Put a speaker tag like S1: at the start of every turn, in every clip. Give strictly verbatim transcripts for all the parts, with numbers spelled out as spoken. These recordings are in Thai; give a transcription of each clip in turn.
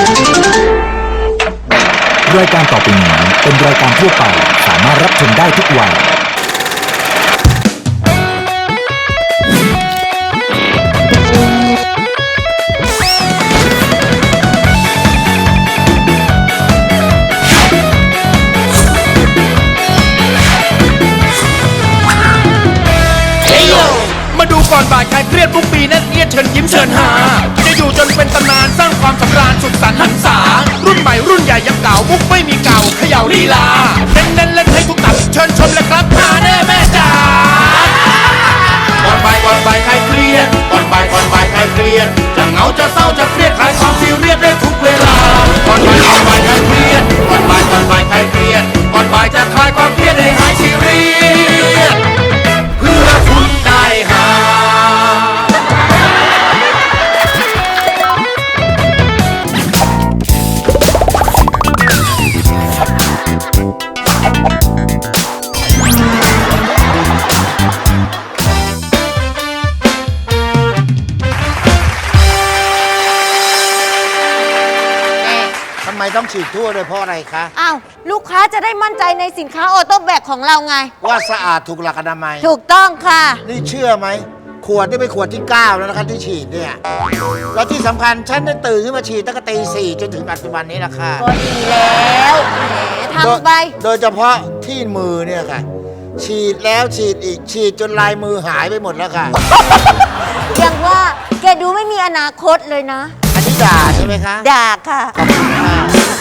S1: รายการต่อไปนี้เป็นรายการทั่วไปสามารถรับชมได้ทุกวัย
S2: มาดูก่อนบ่ายใครเครียดทุกปีนั่นเอียดเชิญยิ้มเชิญหาจะอยู่จนเป็นตำนานสร้างความสำราญสุดสันต์หันษารุ่นใหม่รุ่นใหญ่ยังเก่ามุกไม่มีเก่าเขย่าลีลาเน้นเน้นเล่นให้ทุกตับเชิญชมเลยครับหาแน่แม่จ๋าก่อนบ่ายก่อนบ่ายใครเครียดก่อนบ่ายก่อนบ่ายใครเครียดจะเหงาจะเศร้าจะเครียดคลายความซีเรียสได้ทุกเวลาก่อนบ่ายก่อนบ่ายใครเครียดก่อนบ่ายก่อนบ่ายใครเครียดก่อนบ่ายจะคลายความเครียดให้หายซีเรียสเพื่อคุณได้หา
S3: ทำไมต้องฉีดทั่วด้วยเพราะอะไรคะ
S4: อ้าวลูกค้าจะได้มั่นใจในสินค้าออโต้แบกของเราไง
S3: ว่าสะอาดถูกหลักอนามัย
S4: ถูกต้องค่ะ
S3: นี่เชื่อไหมขวดนี่เป็นขวดที่เก้าแล้วนะคะที่ฉีดเนี่ยแล้วที่สำคัญฉันได้ตื่นขึ้นมาฉีดตั้งแต่ตีสี่จนถึงปัจจุบันนี้แหละค่ะ
S4: ก็ดีแล้วแหมทำไป
S3: โดยเฉพาะที่มือเนี่ยค่ะ ฉีดแล้วฉีดอีกฉีดจนลายมือหายไปหมดแล้วค่ะ
S4: ยังว่าแกดูไม่มีอนาคตเลยนะ
S3: อันนี้ด่าใช่ไหมคะ
S4: ด่าค่ะ
S3: ขอบคุณค่ะ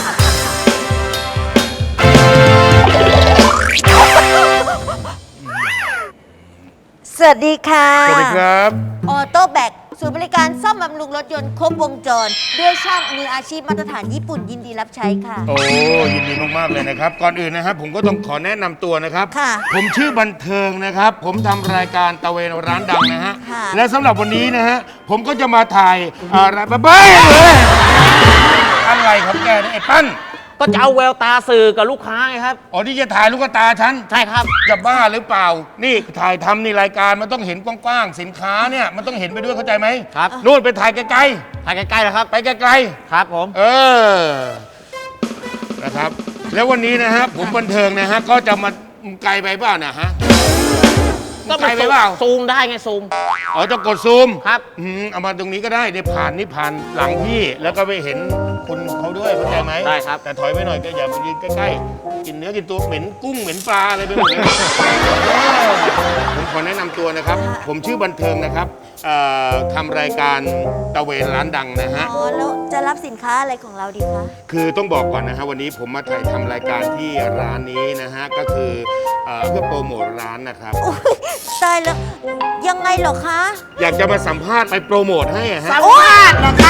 S4: สวัสดีค่ะ
S2: สวัสดีครับ
S4: ออโต้แบกศูนย์บริการซ่อมบำรุงรถยนต์ครบวงจร ด้วยช่างมืออาชีพมาตรฐานญี่ปุ่นยินดีรับใช้ค่ะ
S2: โอ้ยินดีมากๆเลยนะครับ ก่อนอื่นนะครับผมก็ต้องขอแนะนำตัวนะครับ
S4: ค่ะ
S2: ผมชื่อบันเทิงนะครับ ผมทำรายการตะเวนร้านดังนะฮะ
S4: ค่ะ
S2: และสำหรับวันนี้นะฮะผมก็จะมาถ่ายอะไรบ้าบ้าเลยอะไรครับแกเนี่ยไอ้ปั้น
S5: ก็จะเอาแววตาสื่อกับลูกค้าไงครับ
S2: อ๋อที่จะถ่ายลูกตาฉัน
S5: ใช่ครับ
S2: จะบ้าหรือเปล่า นี่ถ่ายทำนี่รายการมันต้องเห็นกว้างๆสินค้าเนี่ยมันต้องเห็นไปด้วยเข้าใจไหม
S5: ครับ
S2: นู่นไปถ่ายไกล
S5: ถ่ายใกล้ๆแล้วครับ
S2: ๆไปไกล
S5: ครับผม
S2: ๆเออนะครับ แล้ววันนี้นะฮะผมบันเทิงนะฮะก็จะมาไกลไปเปล่านะฮะ
S5: ก็
S2: ไกลไปเปล่า
S5: ซูมได้ไงซูม
S2: อ๋อจะกดซูม
S5: ครับ
S2: อืมเอามาตรงนี้ก็ได้ได้ผ่านนี่ผ่านหลังพี่ แล้วก็ไปเห็นคุณเขาด้วยเข้าใจไหม
S5: ได้ครับ
S2: แต่ถอยไปหน่อยก็อย่ามายืนใกล้ๆกินเนื้อกินตัวเหม็นกุ้งเหม็นปลาอะไรไปหมดเลยผมขอแนะนำตัวนะครับ ผมชื่อบันเทิงนะครับเอ่อทำรายการตะเวนร้านดังนะฮะ
S4: อ๋อแล้วจะรับสินค้าอะไรของเราดีคะ
S2: คือต้องบอกก่อนนะฮะวันนี้ผมมาถ่ายทำรายการที่ร้านนี้นะฮะก็คือเอ่อเพื่อโปรโมทร้านนะครับ
S4: โอ้ยตายแล้วยังไงเหรอคะ
S2: อยากจะมาสัมภาษณ์ไปโปรโมทให้อะฮะ
S3: สัมภาษณ์นะคะ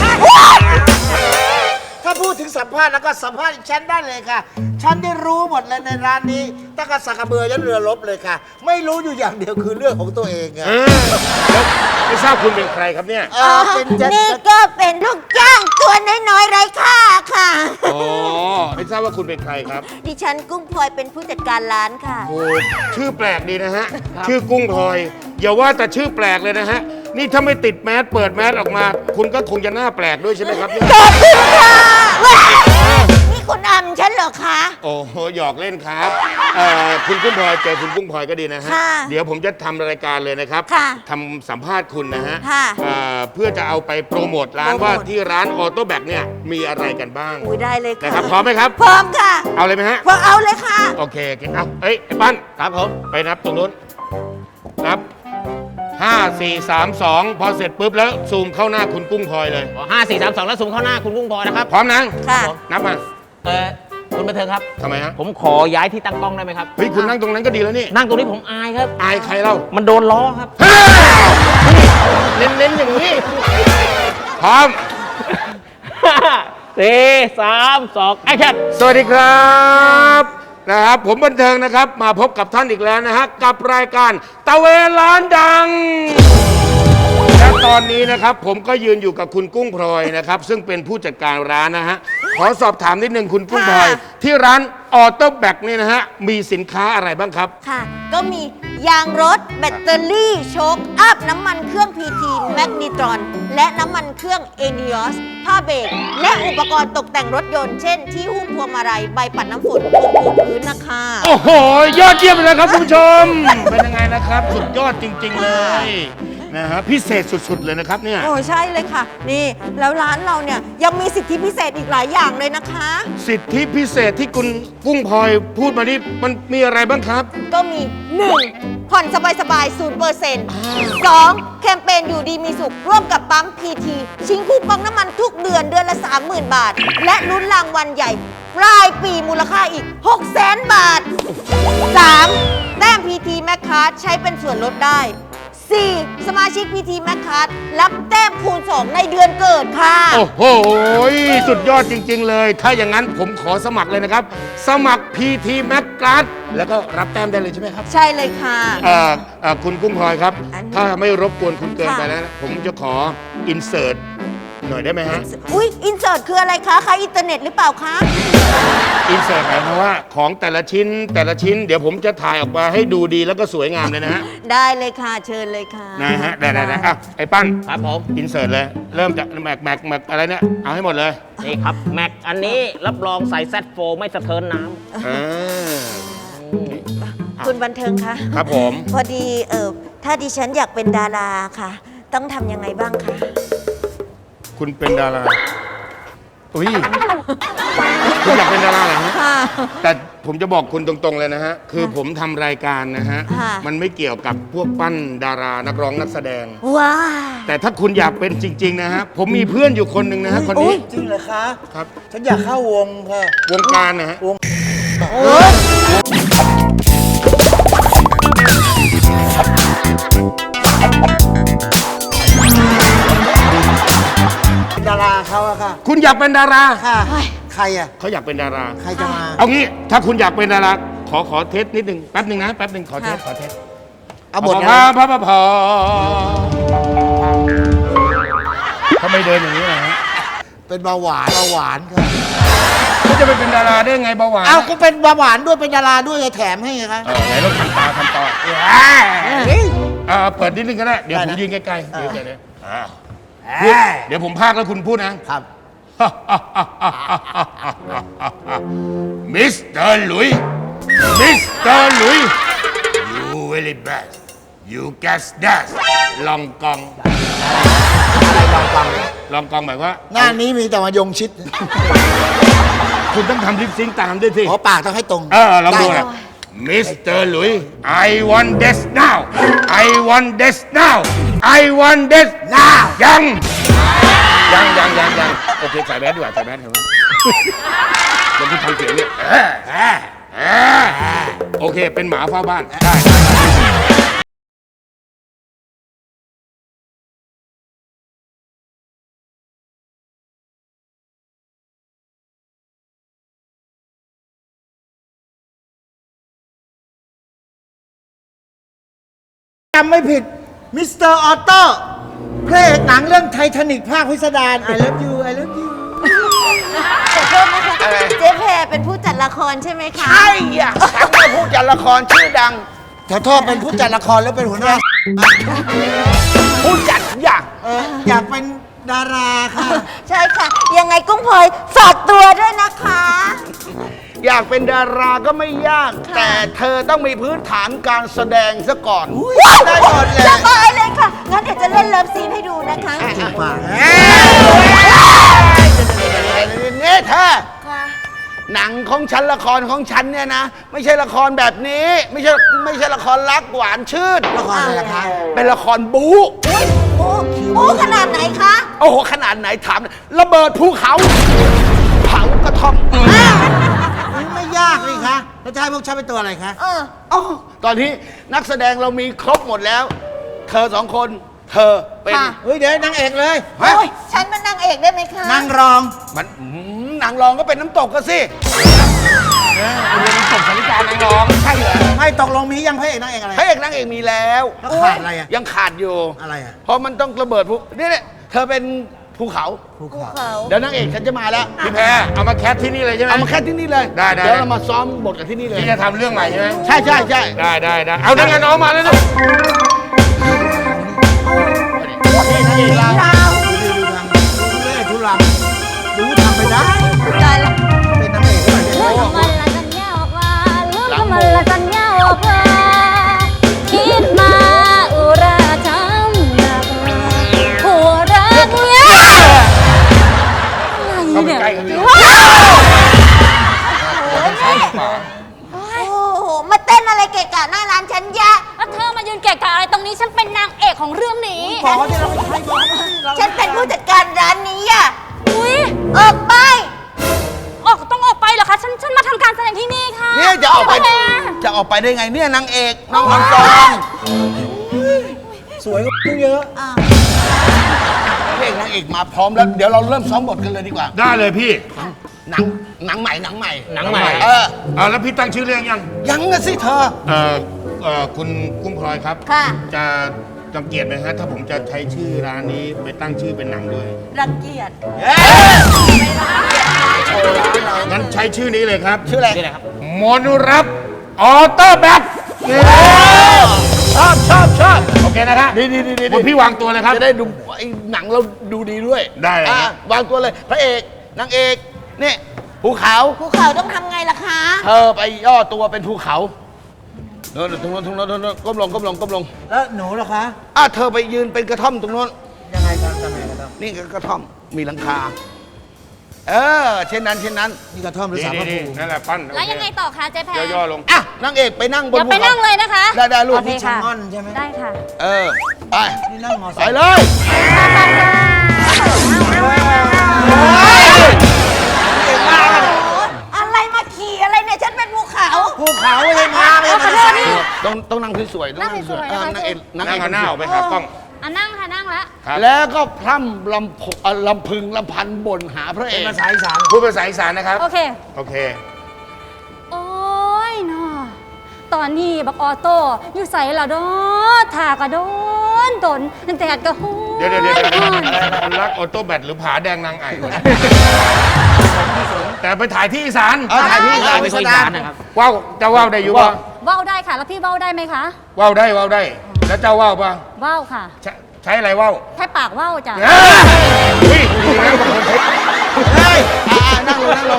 S3: ถ้าพูดถึงสัมภาษณ์แล้วก็สัมภาษณ์ฉันได้เลยค่ะ ฉันได้รู้หมดเลยในร้านนี้ตั้งแต่สักกระเบือยันเรือรบเลยค่ะ ไม่รู้อยู่อย่างเดียวคือเรื่องของตัวเองอะ
S2: เออแล้วไม่ทราบคุณเป็นใครครับเนี่ย
S3: เออเป็นจะ
S4: นี่ก็เป็นลูกจ้างตัวน้อยๆไร้ค่าค่ะ
S2: อ๋อไม่ทราบว่าคุณเป็นใครครับ
S4: ดิฉันกุ้งพลอยเป็นผู้จัดการร้านค่ะ
S2: โอ้ชื่อแปลกดีนะฮะ ชื่อกุ้งพลอย อย่าว่าแต่ชื่อแปลกเลยนะฮะ นี่ถ้าไม่ติดแมสเปิดแมสออกมา คุณก็คงจะหน้าแปลกด้วยใช่ไหมครับเนี่ย
S4: ขอบคุณค่ะว้ายนี่คุณอำฉันเหรอคะ
S2: โอ้โหหยอกเล่นครับเอ่อคุณกุ้งพลอยเจอคุณกุ้งพลอยก็ดีนะฮะ
S4: ค่ะ
S2: เดี๋ยวผมจะทำรายการเลยนะครับ
S4: ค่ะ
S2: ทำสัมภาษณ์คุณนะฮะ
S4: ค่ะ
S2: เอ่อเพื่อจะเอาไปโปรโมทร้าน
S4: โปรโมท
S2: ว่าที่ร้านออโต้แบกเนี่ยมีอะไรกันบ้าง
S4: อุ้ยได้เลยค่ะ
S2: นะครับพร้อมไหมครับ
S4: พร้อมค่ะ
S2: เอาเลยไหมฮะ
S4: พร้อมเอาเลยค่ะ
S2: โอเคโอเคเอาเอ้ยไอ้ปั้น
S5: ครับผม
S2: ไปนับตรงนู้น นับห้า สี่ สาม สองพอเสร็จปุ๊บแล้วซูมเข้าหน้าคุณกุ้งพลอยเลย
S5: ห้าสี่สามสองแล้วซูมเข้าหน้าคุณกุ้งพลอยนะครับ
S2: พร้อมนะ
S4: ค่ะ
S2: นับมา
S5: เออคุณบันเทิงครับ
S2: ทำไมฮะ
S5: ผมขอย้ายที่ตั้งกล้องได้ไหมครับ
S2: เฮ้ย คุณนั่งตรงนั้นก็ดีแล้วนี่
S5: นั่งตรงนี้ผมอายครับ
S2: อายใครเล่า
S5: มันโดนล้อครับ
S2: เน้นเน้นๆอย่างนี้ พร้อม
S5: สี่สามสองแอคชั่น
S2: สวัสดีครับนะครับ ผมบันเทิงนะครับ มาพบกับท่านอีกแล้วนะฮะ กับรายการตะเวนร้านดัง และตอนนี้นะครับผมก็ยืนอยู่กับคุณกุ้งพลอยนะครับ ซึ่งเป็นผู้จัดการร้านนะฮะ ขอสอบถามนิดนึงคุณกุ้งพลอย
S4: ค่ะ
S2: ที่ร้านออโต้แบกนี่นะฮะ มีสินค้าอะไรบ้างครับ
S4: ค่ะ ก็มียางรถ แบตเตอรี่ โชคอัพ น้ำมันเครื่อง พี ที แมกนิตรอน และน้ำมันเครื่องเอเนียสผ้าเบรกและอุปกรณ์ตกแต่งรถยนต์ เช่น ที่หุ้มพวงมาลัย ใบปัดน้ำฝนพวงปูพื้นนะคะ
S2: โอ้โห ยอดเยี่ยมเลยครับคุณผู้ชม เป็นยังไงนะครับ สุดยอดจริง ๆ เลยนะฮะพิเศษสุด ๆ เลยนะครับเนี่ย
S4: โอ้ใช่เลยค่ะ นี่แล้วร้านเราเนี่ยยังมีสิทธิพิเศษอีกหลายอย่างเลยนะคะ
S2: สิทธิพิเศษที่คุณกุ้งพลอยพูดมานี่มันมีอะไรบ้างครับ
S4: ก็มี หนึ่ง ผ่อนสบายๆ ศูนย์เปอร์เซ็นต์ สอง แคมเปญอยู่ดีมีสุข ร่วมกับปั๊ม พี ที ชิงคูปองน้ำมันทุกเดือนเดือนละ สามหมื่น บาท และลุ้นรางวัลใหญ่ปลายปีมูลค่าอีก หกแสน บาท สาม แต้ม พี ที Mac Card ใช้เป็นส่วนลดได้ สี่ สมาชิก พี ที Mac Card รับแต้มคูณ สอง ในเดือนเกิดค่ะ
S2: โอ้โห สุดยอดจริง ๆ เลย ถ้าอย่างนั้นผมขอสมัครเลยนะครับ สมัคร พี ที Mac Card แล้วก็รับแต้มได้เลยใช่ไหมครับ
S4: ใช่เลยค่ะ
S2: เอ่อเอ่อคุณกุ้งพลอยครับ
S4: อันนี้
S2: ถ้าไม่รบกวนคุณเกิน
S4: ค่ะ
S2: ไปแล้วนะผมจะขออินเสิร์ตหน่อยได้ไหมฮะ
S4: อุ๊ย อินเสิร์ตคืออะไรคะคะอินเทอร์เน็ตหรือเปล่าคะ
S2: อินเสิร์ตหมายความว่าของแต่ละชิ้นแต่ละชิ้น เดี๋ยวผมจะถ่ายออกมาให้ดูดีแล้วก็สวยงามเลยนะฮะ
S4: ได้เลยค่ะ เชิญเลยค่ะ
S2: นะฮะได้ได้ได้อ่ะไอ้ปั้น
S5: ครับผม
S2: อินเสิร์ตเลย เริ่มจากแม็กแม็กแม็กอะไรเนี่ย เอาให้หมดเลย
S5: นี่ครับ แม็กอันนี้รับรองใส่แซดโฟไม่สะเทินน้
S2: อ่า
S4: คุณบันเทิงคะ
S2: ครับผม
S4: พอดีเออถ้าดิฉันอยากเป็นดาราค่ะ ต้องทำยังไงบ้างคะ
S2: คุณเป็นดาราอุ้ยคุณอยากเป็นดาราเหรอฮะ
S4: ค่ะ
S2: แต่ผมจะบอกคุณตรงๆเลยนะฮะ คือผมทำรายการนะฮะ
S4: ค่ะ
S2: มันไม่เกี่ยวกับพวกปั้นดารานักร้องนักแสดง
S4: ว้า
S2: แต่ถ้าคุณอยากเป็นจริง ๆ นะฮะ ผมมีเพื่อนอยู่คนหนึ่งนะฮะ คนนี้
S3: จริงเหรอคะ
S2: ครับ
S3: ฉันอยากเข้าวงค่ะ
S2: วงการนะฮะ
S3: เป็นดาราเขาอะค่ะ
S2: คุณอยากเป็นดารา
S3: ค่ะ ใครอะ
S2: เขาอยากเป็นดารา
S3: ใครจะมา
S2: เอางี้ ถ้าคุณอยากเป็นดารา ขอขอเทสนิดหนึ่งแป๊บหนึ่งนะ แป๊บหนึ่งขอเทส ขอเทส
S3: เอาบท
S2: พ
S3: นะ
S2: พพพทำไมเดินอย่างนี้ล่ะฮะ
S3: เป็นเบาหวานเบาหวานค่ะ
S2: เขาจะไปเป็นดาราได้ไงเบาหวาน
S3: เอาก็เป็นเบาหวานด้วยเป็นดาราด้วยไงแถมให้ไงคะ
S2: เออไหนเราทำตาทำตาเออเปิดนิดนึงก็ได้ เดี๋ยวผมยืนใกล้ๆเดี๋ยวเดี๋ยวเดี๋ยวอ่าพูดเดี๋ยวผมพากแล้วคุณพูดนะ
S3: ครับ
S2: มิสเตอร์หลุย มิสเตอร์หลุย you very bad you guess that ลองกอง
S3: อะไรลองฟัง
S2: ลองกองหมายว่า
S3: หน้านี้มีแต่มายงชิด
S2: คุณต้องทำลิปซิงค์ตามด้วยสิ
S3: ขอปากต้องให้ตรง
S2: เออลองดูนะมิสเตอร์หลุย I want this now I want this now I want this now ยัง ยังยังยังยังโอเคใส่แมสดีกว่าใส่แมสเถอะเดี๋ยวคุณทำเสียงเนี่ยเออเออเออโอเค เป็นหมาเฝ้าบ้าน ได้
S3: จำไม่ผิด มิสเตอร์ออโต้พระเอกหนังเรื่องไททานิกภาคพิสดาร I love you I love you
S4: ขอโทษนะคะเจ๊แพรเป็นผู้จัดละครใช่ไหมคะ
S6: ใช่อ่ะฉันเป็นผู้จัดละครชื่อดัง
S3: ขอโทษเป็นผู้จัดละครแล้วเป็นหัวหน้า
S6: ผู้จัดอยาก
S3: เอออยากเป็นดาราค่ะ
S4: ใช่ค่ะ ยังไงกุ้งพลอยฝากตัวด้วยนะคะ
S6: อยากเป็นดาราก็ไม่ยาก แต่เธอต้องมีพื้นฐานการแสดงซะก่อน
S3: ได้หมดเลย
S4: สบายเลยค่ะ งั้นเดี๋ยวจะเล่นเลิฟซีนให้ดูนะคะ
S3: จริงป่ะ
S6: นี่เธอ
S4: ค่ะ
S6: หนังของฉันละครของฉันเนี่ยนะ ไม่ใช่ละครแบบนี้ ไม่ใช่ไม่ใช่ละครรักหวานชื่น
S3: ละครอะไรล่ะคะ
S6: เป็นละครบู๊
S4: อุ้ยโอ้โอ้ขนาดไหนคะ
S6: โอ้โหขนาดไหนถามระเบิดภูเขาเผากระท่อม
S3: ไม่ยากเลยคะแล้วจะให้พวกฉันเป็นตัวอะไรคะ
S4: เออ
S6: อ๋อตอนนี้นักแสดงเรามีครบหมดแล้ว เธอสองคน เธอเป็น
S4: ค่ะ
S3: เฮ้ยเดี๋ยวนางเอกเลย
S6: ฮะ
S4: โอ้ยฉันเป็นนางเอกได้ไหมคะ
S3: นางรอง
S6: มันอืมนางรองก็เป็นน้ำตกก็สิเออเป็นน้ำตกสาริกานางรองใช่เหรอ
S3: ไม่ตกลงมียังพระเอกนางเอกอะไร
S6: พระเอกนางเอกมีแล้ว
S3: แล้วขาดอะไรอ่ะ
S6: ยังขาดอยู่
S3: อะไรอ่ะ
S6: เพราะมันต้องระเบิดพวกนี่เนี่ยเธอเป็นภูเขา
S3: ภูเขา
S4: เขา
S6: เดี๋ยวนางเอกฉันจะมาแล้ว
S2: พี่แพรเอามาแคสที่นี่เลยใช่ไหม
S6: เอามาแค่ที่นี่เลย
S2: ได้ได้
S6: เดี๋ยวเรามาซ้อมบทกันที่นี่เลย
S2: พี่จะทำเรื่องใหม่ใช่ไหม
S6: ใช่ใช่ใช่
S2: ได้ได้ได้เอาดังงานน้องมาแล้วนะ
S6: นี่นางเอกเรา
S3: ดูดูทางดูเล่ทุลังดูทำไปได้
S4: ตายแล้ว
S3: เป็นนางเอกด้วยเนี่ย
S7: เรื่องของมันละสัญญาออกมาเรื่องของมันละสัญญาออกมาคิดมาอุราทำหนักหัวรักเนี่ย
S2: เข้าไปใกล้กันดิ
S4: โอ้โห มาเต้นอะไรเกะกะหน้าร้านฉันแยะ
S7: แล้วเธอมายืนเกะกะอะไรตรงนี้ฉันเป็นนางเอกของเรื่องนี้
S3: บอกว่าที่เราไม่ใช่บอกว่าเรา
S4: ฉันเป็นผู้จัดการร้านนี้อ่ะ
S7: อุ้ย
S4: ออกไป
S7: ออกต้องออกไปเหรอคะฉันฉันมาทำการแสดงที่นี่ค่ะ
S6: เนี่ยจะออกไป
S7: พี่แพร
S6: จะออกไปได้ไงเนี่ยนางเอกน้องออนซอง
S3: สวยกว่าเยอะ
S6: พระเอกนางเอกมาพร้อมแล้วเดี๋ยวเราเริ่มซ้อมบทกันเลยดีกว่า
S2: ได้เลยพี่
S6: หนังหนังใหม่หนังใหม่
S5: หนังใหม่
S6: เออ
S2: เอาแล้วพี่ตั้งชื่อเรื่องยัง
S6: ยังนะสิเธอ
S2: เอ่อเอ่อคุณกุ้งพลอยครับ
S4: ค่ะ
S2: จะรังเกียจไหมฮะถ้าผมจะใช้ชื่อร้านนี้ไปตั้งชื่อเป็นหนังด้วย
S4: รังเกียจ
S2: งั้นใช้ชื่อนี้เลยครับ
S6: ชื่ออะไร
S5: นี่แหละครับ
S2: มนุรับออโต้แบท
S6: ชอบชอบชอบ
S2: โอเคนะครับ
S6: ดีดีดีดี
S2: คุณพี่วางตัวเลยครับ
S6: จะได้ดูไอ้หนังเราดูดีด้วย
S2: ได้เลยครับ
S6: อ่ะวางตัวเลยพระเอกนางเอกนี่ภูเขา
S4: ภูเขาต้องทำไงล่ะคะ
S6: เธอไปย่อตัวเป็นภูเขาโน่นตรงโน้นตรงโน้นตรงโน้นก้มลงก้มลงก้มลง
S3: แล้วหนูล่ะคะ
S6: อ่ะเธอไปยืนเป็นกระท่อมตรงโน้น
S3: ยังไงครับทำไงกันครับ
S6: นี่ก็กระท่อมมีหลังคา เออ เช่นนั้นเช่นนั้น
S3: นี่กระท่อมหรือ
S2: นี่
S3: สารพระ
S2: นี่
S3: ภูมิ
S2: นั่นแหละปั้น
S7: แล้วยังไงต่อคะเจ๊แพร
S2: ย่อๆลง
S6: อ่ะนางเอกไปนั่งบน
S7: เดี๋ยว
S6: ภู
S7: ไป
S6: เขา
S7: นั่งเลยนะคะ
S6: ได้ได้ลูก
S7: โอเคค่ะ
S3: ม่อนใช่ไหม
S7: ได้ค่ะ
S6: เออ ไป
S3: นี่นั่งมอไซ
S6: ไป
S3: ค์
S6: เลย
S4: อะไรมาขี่อะไรเนี่ย ฉันเป็นภูเขา
S3: ภูเขาเลยมาเลย
S7: เอาขอโทษนี่
S6: ต้องต้องนั่งสวยๆต้องนั่งสวยๆ
S7: นั่
S6: อ่ะ
S7: งสวยๆ
S6: นางเอก
S2: นั่ง
S6: เอก
S2: เอาหน้าออกไปหากล้อง
S7: อ่ะนั่งค่ะนั่งแล้ว
S2: ครับ
S6: แล้วก็พร่ำลำพเอ่อลำพึงลำพันบ่นหาพระเอ
S3: เป็น
S6: ก
S3: ภาษาอีสาน
S2: พูดภาษาอีสานนะครับ
S7: โอเค
S2: โอเค
S7: โอ้ยเนาะตอนนี้บักออโต้อยู่ใส่ละดอถากระโดนตนแดดกระหู
S2: เดี๋ยวเดี๋ยวเดี๋ยว
S7: ฮ้อน
S2: คนรักออโต้แบทหรือผาแดงนางไอ่วะแต่ไปถ่ายที่อีสาน
S6: เอาถ่ายที่
S5: เรา
S6: ถ่าย
S5: ไป
S6: ไป
S5: คุย
S6: แสด
S5: สาง รนะครับ
S2: ว้าวเจ้าว่าวได้อยู่ปะ
S7: ว่าวได้ค่ะ แล้วพี่ว่าวได้ไหมคะ
S2: ว่าวได้ว่าวได้ แล้วเจ้าว่าวปะ
S7: ว่าวค่ะ
S2: ใช้ใช้อะไรว่าว
S7: แค่ปากว่าวจ้ะ
S2: เอ้ยอุ้ยดีนะบางคนใช้
S6: เฮ้ยอ่านั่งลงนั่งลง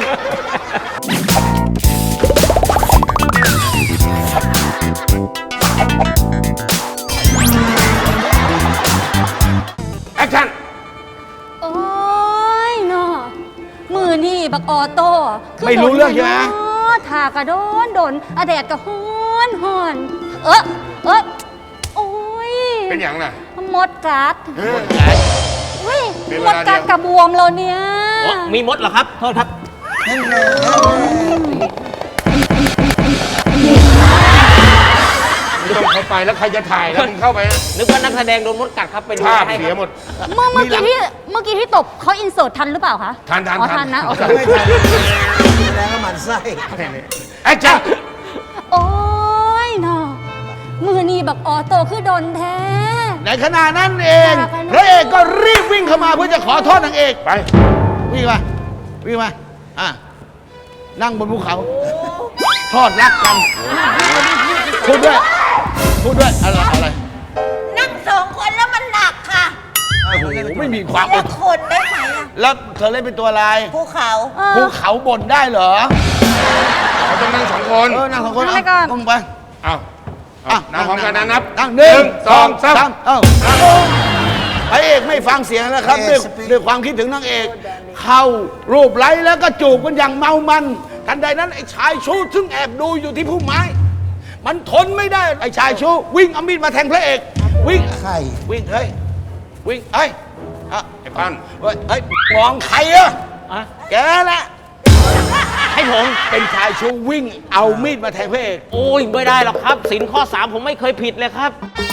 S2: แอคชั่น
S7: โอ้ยเนาะมือนี่บักออโต้คื
S6: ไม่รู้เรื่องใช่ไหม
S7: โดนเนาะถากระโดนโดนอะแดดกระฮ้อนฮ้อน เออเออโอ้ย
S2: เป็นอย่างน่ะ
S7: มดกัด
S2: เออ
S7: อุ้ย
S2: เป็น
S7: ม
S2: เว
S7: ด
S2: ลาเดียว
S7: กัดกระบวมแล้วเนี่ย
S5: โอ้มีมดเหรอครับ โทษครับ
S2: ไม่ต้องเข้าไปแล้วใครจะถ่ายแล้วมึงเข้าไปนะ
S5: นึกว่านักแสดงโดนมดกัดครับไปดู
S2: ภาพ
S5: ให้
S2: เสี
S5: ค
S2: ย
S5: รับ
S2: หมด
S7: เมื่อเมื่อกี้ที่เมื่อกี้ที่ตบเขาอินเสิร์ตทันหรือเปล่าคะ
S2: ทันทัน
S7: อ๋อ
S2: ทั
S7: ทั
S2: น
S7: นนะโอเค
S3: ไม่ทันแสดงว่าหมันไส้
S2: แอคชั่น
S7: โอ้ยเนาะมือนี่บักออโต้คือโดนแท้
S6: ในขณะนั้นเองพระเอกก็รีบวิ่งเข้ามาเพื่อจะขอโทษนางเอก
S2: ไป
S6: วิ่งมาวิ่งมาอ่ะนั่งบนภูเขาทอดรักกันพูดด้วยพูดด้วยอะไรอะไร
S4: นั่งสองคนแล้วมันหนักค่ะ
S6: โอ้โหไม่มีความ
S4: เลือกคนได้ไหมอะ
S6: แล้วเธอเล่นเป็นตัวอะไร
S4: ภูเขา
S7: เออ
S6: ภูเขาบ่นได้เหรอ
S2: เขาต้องนั่งสองคน
S6: เออนั่งสองคน
S7: นั่งไปก่อน
S6: ก้มไป
S2: เอา
S6: อ่ะ
S2: เอานั่งพร้อมกันนะนับ
S6: นั่งหนึ่ง
S2: สองสาม
S6: เอ้าพระเอกไม่ฟังเสียงแล้วครับด้วยด้วยความคิดถึงนางเอก เข้ารูปไล้แล้วก็จูบกันอย่างเมามันทันใดนั้นไอ้ชายชู้ซึ่งแอบดูอยู่ที่พุ่มไม้ มันทนไม่ได้ไอ้ชายชู้วิ่งเอามีดมาแทงพระเอก วิ่ง
S3: ไข่
S6: วิ่งเฮ้ยวิ่งเฮ้ยอ่ะ
S2: ไอ้ปั้น
S6: เฮ้ยเฮ้ยมองใครอะ
S5: อ่ะ
S6: แกแหละ
S5: ให้ผม
S6: เป็นชายชู้วิ่งเอามีดมาแทงพระเอก
S5: โอ้ยไม่ได้หรอกครับสินข้อสามผมไม่เคยผิดเลยครับ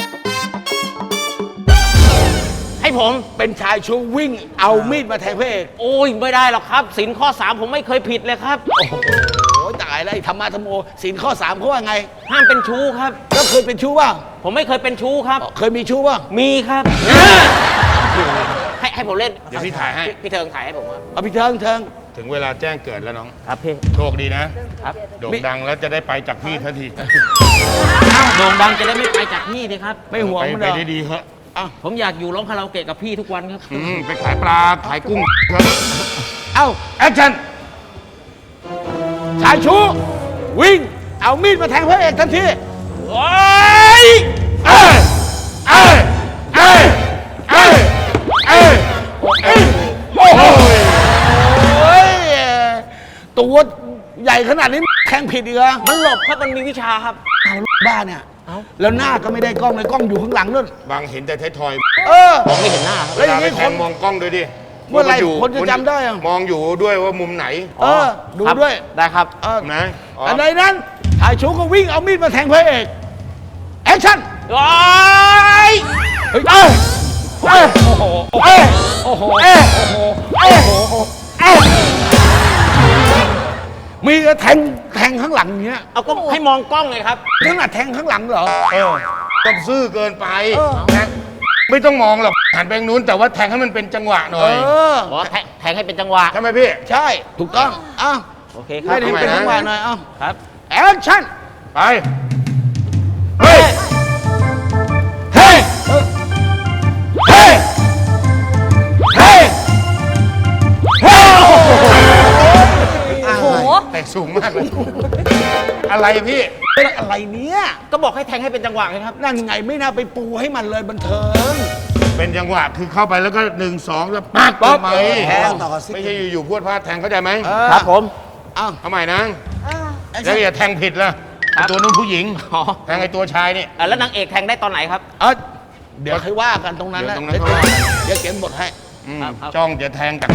S5: ให้ผม
S6: เป็นชายชู้วิ่งเอามีดมาแทงพระเอก
S5: โอ้ยไม่ได้หรอกครับสินข้อสามผมไม่เคยผิดเลยครับ
S6: โอ้ยตายแล้วไอ้ธรรมะธรรมโมศีลข้อสามเขาว่าไง
S5: ห้ามเป็นชู้ครับ
S6: แล้วเคยเป็นชู้ว่า
S5: ผมไม่เคยเป็นชู้ครับ
S6: เคยมีชู้ว่า
S5: มีครับ ให้ให้ผมเล่น
S2: เดี๋ยวพี่ถ่ายให้
S5: พี่พี่เทิงถ่ายให้ผมครับ
S6: เอาพี่เทิงเทิง
S2: ถึงเวลาแจ้งเกิดแล้วน้อง
S5: ครับพี่
S2: โชคดีนะครับ โด่งดังแล้วจะได้ไปจากพี่ทันที
S5: โด่งดังจะได้ไม่ไปจากพี่สิครับ
S6: ไม่ห่วง
S2: ไป
S6: มัน
S2: ไป
S6: เหรอ
S2: ดีๆเหอะ
S5: ผมอยากอยู่ร้องคาราโอเกะกับพี่ทุกวันครับ
S2: อืมไปขายปลาขายกุ้งเถอะ
S6: เอ้า
S2: แอคชั่น
S6: ชายชูวิ่ง เอามีดมาแทงพระเอกทันที
S5: โอ้ย
S2: เอ้ยเอ้ยเอ้ยเอ้ยเอ้ยเอ้ยโอ้โห
S6: โอ้ยตัวใหญ่ขนาดนี้แทงผิดอีกเหรอ
S5: มันหลบครับ มันมีวิชาครับ
S6: เอาบ้าเนี่ย แล้วหน้าก็ไม่ได้กล้องเลยกล้องอยู่ข้างหลังนู่น
S2: บางเห็นแต่ท้ายทอย
S6: เออ
S5: มองไม่เห็นหน้าครับ
S6: แล้วอย่างนี้
S2: เวลาไป
S6: ค
S2: แท
S6: น
S2: งมองกล้องด้วยดิ
S6: เมื่อไหร่
S2: ยู่
S6: คนจะจำได้อะ
S2: มองอยู่ด้วยว่ามุมไหน
S6: เออ ดู
S5: ครับ
S6: ด้วย
S5: ได้ครับ
S6: เออ
S2: นะอ๋อ
S6: อันใดนั้นชายชูก็วิ่งเอามีดมาแทงพระเอกแอคชั่น
S5: โอ้ย
S6: เฮ้ยเอ้ยเอ้ยโอ้โหเอ้ยโอ้โหเอ้ยโอ้โหเอ้ยโอ้โหเอ้ยมีกระแทงแทงข้างหลังอย่างเงี้ย
S5: เอาก็ให้มองกล้องเลยครับ
S6: ขนาดแทงข้างหลังเหรอ
S2: เออต้องซื่อเกินไป
S6: เออ
S2: นะไม่ต้องมองหรอกหันไปทางนู้นแต่ว่าแทงให้มันเป็นจังหวะหน่
S6: เอ
S2: อย
S6: อ
S5: บอกว่าแทงแทงให้เป็นจังหวะ
S2: ใช่ไหมพี่
S6: ใช่ ถูกต้องอ้าว
S5: โอเคครับ
S6: ให้ดีเป็น
S2: ทำไมนะ
S6: จังหวะหน่อยเอ้า
S5: ครับ
S6: แอคชั่น
S2: ไปเฮ้ย
S6: เฮ้ยเฮ้ยเฮ้ยเฮ้ย
S7: โอ้โห
S2: แต่สูงมากเลยอะไรพี่
S6: เป็นอะไรเนี้ย
S5: ก็บอกให้แทงให้เป็นจังหวะไงครับ
S6: นั่นไงไม่น่าไปปูให้มันเลยบันเทิง
S2: เป็นจังหวะคือเข้าไปแล้วก็หนึ่งสองแล้วปัก
S6: ปั๊บ
S2: ทำไม
S6: แทง
S2: ไม่ใช่อยู่ๆพวดพลาดแทงเข้าใจไหม
S5: ครับผม
S6: อ้าว
S2: เอาใหม่นะแล้วอย่าแทงผิดล่ะ
S5: ครับ
S2: ไอ้ตัวนู้นผู้หญิง
S5: อ๋อ
S2: แทงไอ้ตัวชายนี่
S5: อ่ะแล้วนางเอกแทงได้ตอนไหนครับ
S6: เอ้ยเดี๋ยวค่อยว่ากันตรงนั้นนะ
S2: เดี๋ยวตรงนั้น
S6: เดี๋ยวเขียนบทให้
S2: อืม
S5: ครับครับ
S2: จ้องจะแทงจาก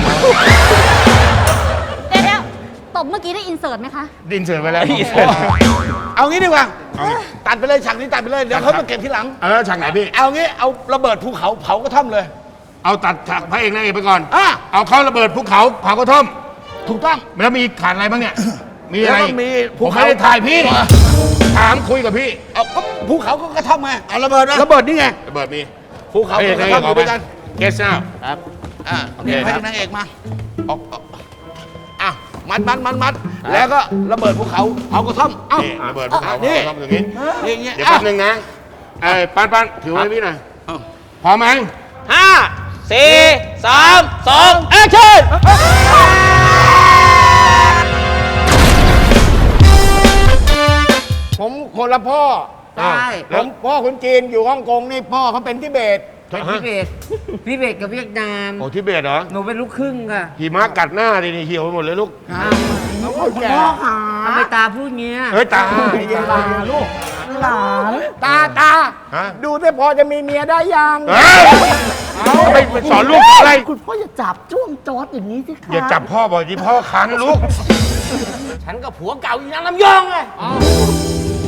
S7: เดี๋ยวเดี๋ยวตบเมื่อกี้ได้อินเสิร์ตไหมคะ
S2: ดินเสือไปแล้ว
S6: เอางี้ดีกว่า
S2: เอาไง
S6: ตัดไปเลยฉากนี้ตัดไปเลย เดี๋ยวเขามาเก็บทีหลัง
S2: เอาแล้วฉากไหนพี่
S6: เอางี้เอาระเบิดภูเขาเผากระท่อมเลย
S2: เอาตัดฉากพระเอกนางเอกไปก่อน
S6: อ่ะ
S2: เอาเขาระเบิดภูเขาเผากระท่อม
S6: ถูกต้อง
S2: แล้วมีขาดอะไรบ้างเนี่ย มีอะไร
S6: แล้วก็มี
S2: ผ
S6: ภู
S2: ม
S6: เขา
S2: ไม่ได้ถ่ายพี่ ถามคุยกับพี่
S6: เอาก็ภูเขาก็กระท่อมไง
S3: เอาระเบิดนะ
S6: ระเบิดนี่ไง
S2: ระเบิดมี
S6: ภูเขา
S2: พระเอ
S6: กับ
S2: ก
S6: ก
S2: นาง
S6: ระ
S2: เอ
S6: ท่อก มอ
S2: ออยู่ กไป
S6: ด้วยกัน
S2: เกสซ่า
S5: ครับ
S6: อ่า
S2: โอเค
S6: นี่พระ
S2: ครั
S6: เอบ กนางเอกมาออกออกอ่ะมัดมัดมัดมัดแล้วก็ระเบิดภูเขาเผากระท่อมเอ้า
S2: นี่ระเบิดภูเขา
S6: นี่
S2: เผากระท่อมอย่างนี้
S6: นี่อย่างเงี้ย
S2: เดี๋ยวแป๊บนึงนะไอ้ปานปานถือไว้พี่หน่อย
S6: เอ้า
S2: พร้อมไหม
S5: ห้าสี่สามสองแอคชั่น
S8: ผมคนละพ่อ
S2: ใช่
S8: ผมพ่อคนจีนอยู่ฮ่องกงนี่พ่อเขาเป็นทิเบต
S2: เป็น
S9: ทิเบตทิเบตกับเวียดนาม
S2: โอ้ทิเบตเหรอ
S9: หนูเป็นลูกครึ่งค่ะ
S2: หิมะกัดหน้าดินี่เหี่ยวไปหมดเลยลูก
S8: เขาคนแก่
S9: ทำไมตาพูดเงี้ย
S2: เฮ้ยตา
S8: ตาลูกหลานตาตา
S2: ฮะ
S8: ดูสิพอจะมีเมียได้ยัง
S2: เฮ้ยไปไปสอนลูกอะไร
S8: คุณพ่ออย่าจับจ้วงจอดอย่างนี้สิคะ
S2: อย่าจับพ่อบ่อยที่พ่อคันลูก
S5: ฉันกับผัวเก่าอีนางลำยองไง